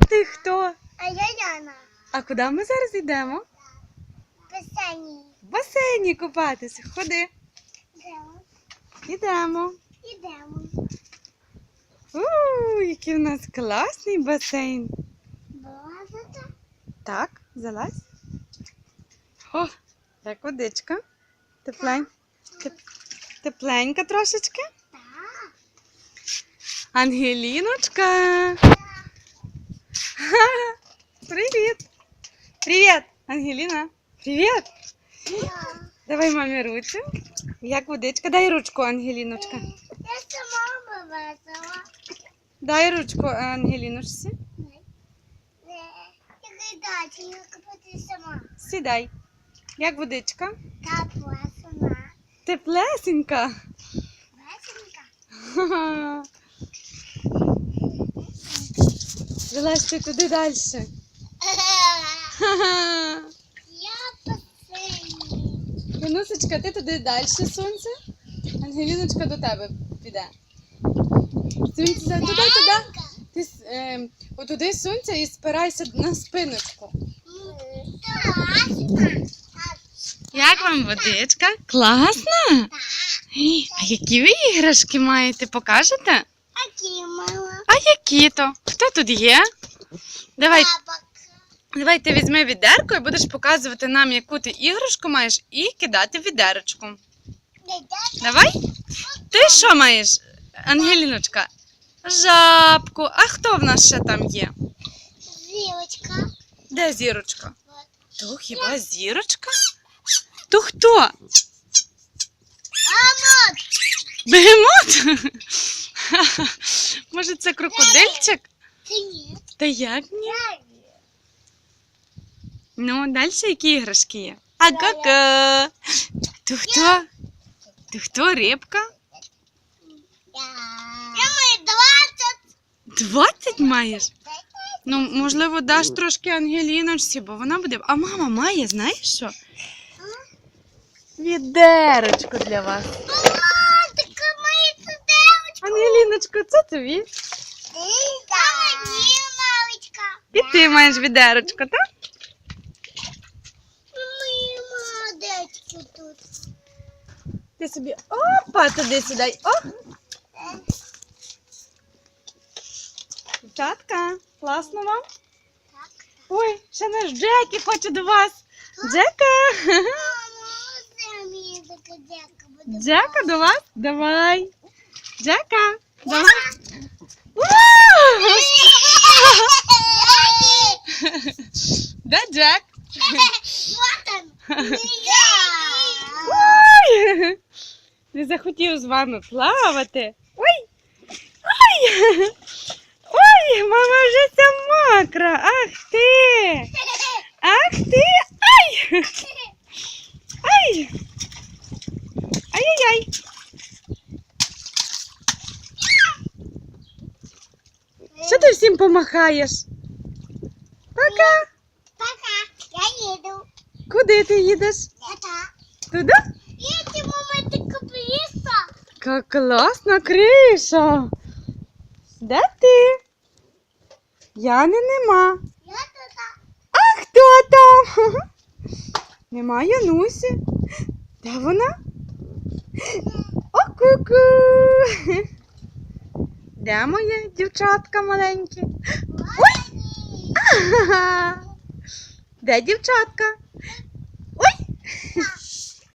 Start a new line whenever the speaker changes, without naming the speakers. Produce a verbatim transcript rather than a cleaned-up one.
Ти хто?
А я Яна.
А куди ми зараз йдемо?
В басейні.
В басейні купатися. Ходи.
Йдемо.
Йдемо.
Йдемо.
Ууу, який в нас класний басейн.
Базата.
Так, залазь. О, як водичка. Теплень... Теп... Тепленька трошечки.
Так.
Ангеліночка. Ха-ха. Привіт. Привіт, Ангеліна. Привіт.
Я.
Давай мамі руку. Як водичка? Дай ручку, Ангеліночка.
Я сама вивезла.
Дай ручку Ангеліночці.
Не. Я дачі, я купити сама.
Сідай. Як водичка?
Та була сама.
Теплесенька.
Весенька.
Ха-ха. Залазь ти туди далі. Ха-ха.
Я в басейні.
Янусечка, ти туди далі сонце. Ангеліночка до тебе піде. Сонце, туди, туди. Ти с- е, отуди сонце і спирайся на спиночку. Як вам водичка? Класно? А які ви іграшки маєте? Покажете?
Акі мама.
А які то? Хто тут є? Давай,
Бабак.
давай ти візьми відерко і будеш показувати нам, яку ти іграшку маєш, і кидати в відерочку. Давай. Ти що маєш, Ангеліночка? Жабку. А хто в нас ще там є?
Зілочка.
Де зірочка? То хіба зірочка? То хто?
Мама.
Бегемот? Може, це крокодильчик?
Це ні.
Та як ні? Ну, далі які іграшки є? А ка-ка. То хто? То хто рибка?
Я маю двадцять.
Двадцять маєш? Ну, можливо, даш трошки Ангеліночці, бо вона буде. А мама має, знаєш що? Відерочку для вас.
Мама, така моя сидевочка.
Ангеліночко, це тобі.
Мама, ні, мамочка.
І ти маєш відерочку, так?
Мої молодечки тут.
Ти собі опа, туди сідай. О! Дівчатка, класно вам?
Так.
Ой, ще наш Джекі хоче до вас. Джека!
Мама, оце мені така дяка буде.
Джека до вас? Давай. Джека, давай. Де Джек?
Вот он. Я.
Ой! Не захотів з вами плавати. Ой! Ой! Ой, мама вже вся мокра. Ах ти! Ах ти! Ай! Ай! Ай-яй-яй! Що ти всім помахаєш? Пока!
Пока. Я їду.
Куди ти їдеш?
Я так.
Туди?
Їдьте, мама, така пліса.
Як класна криша! Де ти? Яни нема.
Я тут.
А хто там? Нема Янусі. Де вона? О, ку-ку! Де моє дівчатка маленькі? Ой! Ага! Де дівчатка? Ой!